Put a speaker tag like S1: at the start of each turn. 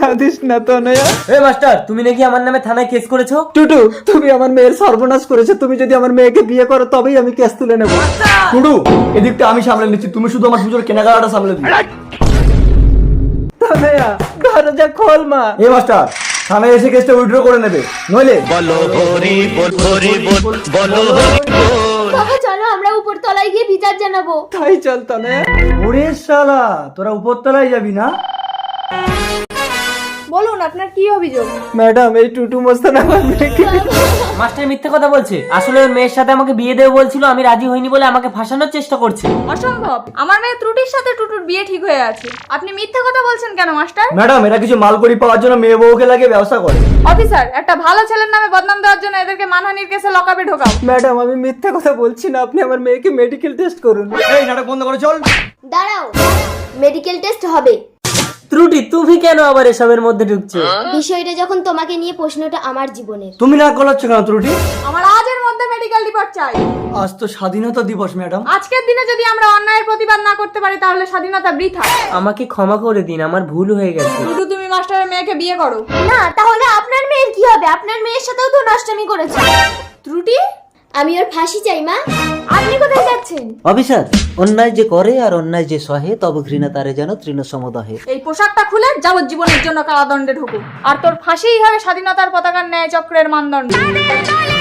S1: কাঁদিস না তনয়া।
S2: এই মাস্টার, তুমি নাকি আমার নামে থানায় কেস করেছো?
S1: টুটু, তুমি আমার মেয়ের সর্বনাশ করেছো। তুমি যদি আমার মেয়েকে বিয়ে করো তবেই আমি কেস তুলে নেবো।
S3: টুডু, এদিকটা আমি সামলে নিচ্ছি, তুমি শুধু আমার পুজোর কেনাকাটা সামলে দিও।
S1: তনয়া, দরজা খোল মা।
S3: এই মাস্টার, থানায় এসে কেসটা উইথড্র করে নেবে, নইলে
S4: বাবা চলো আমরা উপর তলায় গিয়ে বিচার জানাবো।
S1: তাই চল তনয়া।
S3: ওরে শালা, তোরা উপরতলায় যাবি না?
S4: বলুন আপনার কি অভিযোগ?
S1: ম্যাডাম, এই টুটু মস্তান আমার মেয়েকে।
S2: মাস্টার মিথ্যে কথা বলছে। আসলে ওর মেয়ের সাথে আমাকে বিয়ে দেবে বলছিল, আমি রাজি হইনি বলে আমাকে ফাঁসানোর চেষ্টা করছে।
S4: অসম্ভব, আমার মেয়ে ত্রুটির সাথে টুটুর বিয়ে ঠিক হয়ে আছে। আপনি মিথ্যে কথা বলছেন কেন মাস্টার?
S3: ম্যাডাম, এরা কিছু মালকড়ি পাওয়ার জন্য মেয়ে বউকে লাগিয়ে ব্যবসা করে।
S4: অফিসার, একটা ভালো ছেলের নামে বদনাম দেওয়ার জন্য এদেরকে মানহানির কেসে লকআপে ঢোকাও।
S1: ম্যাডাম, আমি মিথ্যে কথা বলছি না। আপনি আমার মেয়েকে মেডিকেল টেস্ট করুন।
S3: এই নাটক বন্ধ করে চল।
S4: দাঁড়াও, মেডিকেল টেস্ট হবে।
S2: ত্রুটি, তুমি কেন আবার এসবের মধ্যে ঢুকছো?
S4: বিষয়টা যখন তোমাকে নিয়ে, প্রশ্নটা আমার জীবনের।
S3: তুমি না কলাচ্ছ কেন ত্রুটি?
S4: আমার আজের মধ্যে মেডিকেল রিপোর্ট চাই।
S3: আজ তো স্বাধীনতা দিবস ম্যাডাম।
S4: আজকের দিনে যদি আমরা অন্যায়ের প্রতিবাদ না করতে পারি তাহলে স্বাধীনতা বৃথা।
S2: আমাকে ক্ষমা করে দিন, আমার ভুল হয়ে গেছে।
S4: টুটু, তুমি মাস্টারের মেয়েকে বিয়ে করো। না, তাহলে আপনার মেয়ের কি হবে? আপনার মেয়ের সাথেও তো নষ্টামি করেছে। ত্রুটি, আমি ওর ফাঁসি চাই মা। আপনি কোথায় যাচ্ছেন?
S5: অফিসার, অন্যায় যে করে আর অন্যায় যে সহে তব ঘৃণা তারে যেন তৃণ সমদহে।
S4: এই পোশাকটা খুলে যাবজ্জীবনের জন্য কারাদণ্ডে ঢুকো। আর তোর ফাঁসিই হবে স্বাধীনতার পতাকার ন্যায় চক্রের মানদণ্ড।